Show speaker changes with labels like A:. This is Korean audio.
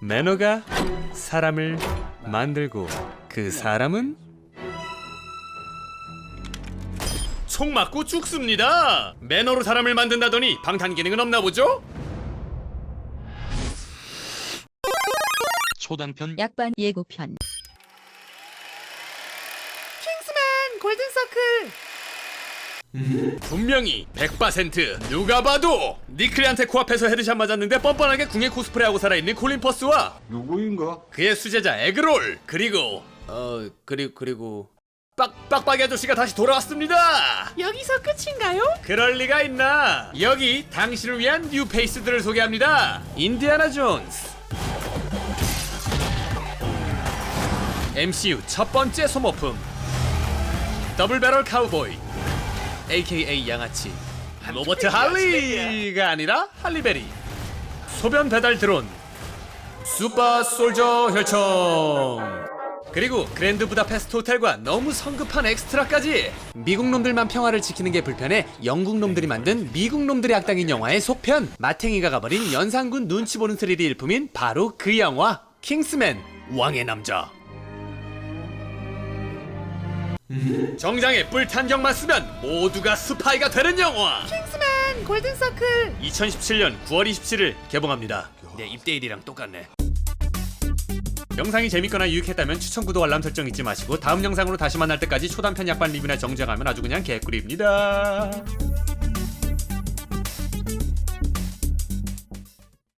A: 매너가 사람을 만들고 그 사람은 총 맞고 죽습니다. 매너로 사람을 만든다더니 방탄 기능은 없나 보죠?
B: 초단편
C: 약반 예고편.
A: 킹스맨 골든서클. 분명히 100% 누가 봐도 니클리한테 코앞에서 헤드샷 맞았는데 뻔뻔하게 궁예 코스프레하고 살아있는 콜린 퍼스와
D: 누구인가?
A: 그의 수제자 에그롤 그리고 빡빡이 아저씨가 다시 돌아왔습니다. 여기서 끝인가요? 그럴 리가 있나. 여기 당신을 위한 뉴 페이스들을 소개합니다. 인디아나 존스, MCU 첫 번째 소모품 더블 배럴 카우보이 AKA 양아치 로버트 할리가 아니라 할리베리, 소변 배달 드론 슈퍼 솔저 혈청, 그리고 그랜드 부다페스트 호텔과 너무 성급한 엑스트라까지. 미국 놈들만 평화를 지키는 게 불편해 영국 놈들이 만든 미국 놈들의 악당인 영화의 속편, 마탱이가 가버린 연산군 눈치 보는 스릴이 일품인 바로 그 영화 킹스맨 왕의 남자. 정장에 뿔탄경만 쓰면 모두가 스파이가 되는 영화 킹스맨 골든서클 2017년 9월 27일 개봉합니다. 내 입대일이랑 똑같네. 영상이 재밌거나 유익했다면 추천, 구독, 알람 설정 잊지 마시고 다음 영상으로 다시 만날 때까지 초단편 약반 리뷰나 정주행하면 아주 그냥 개꿀입니다.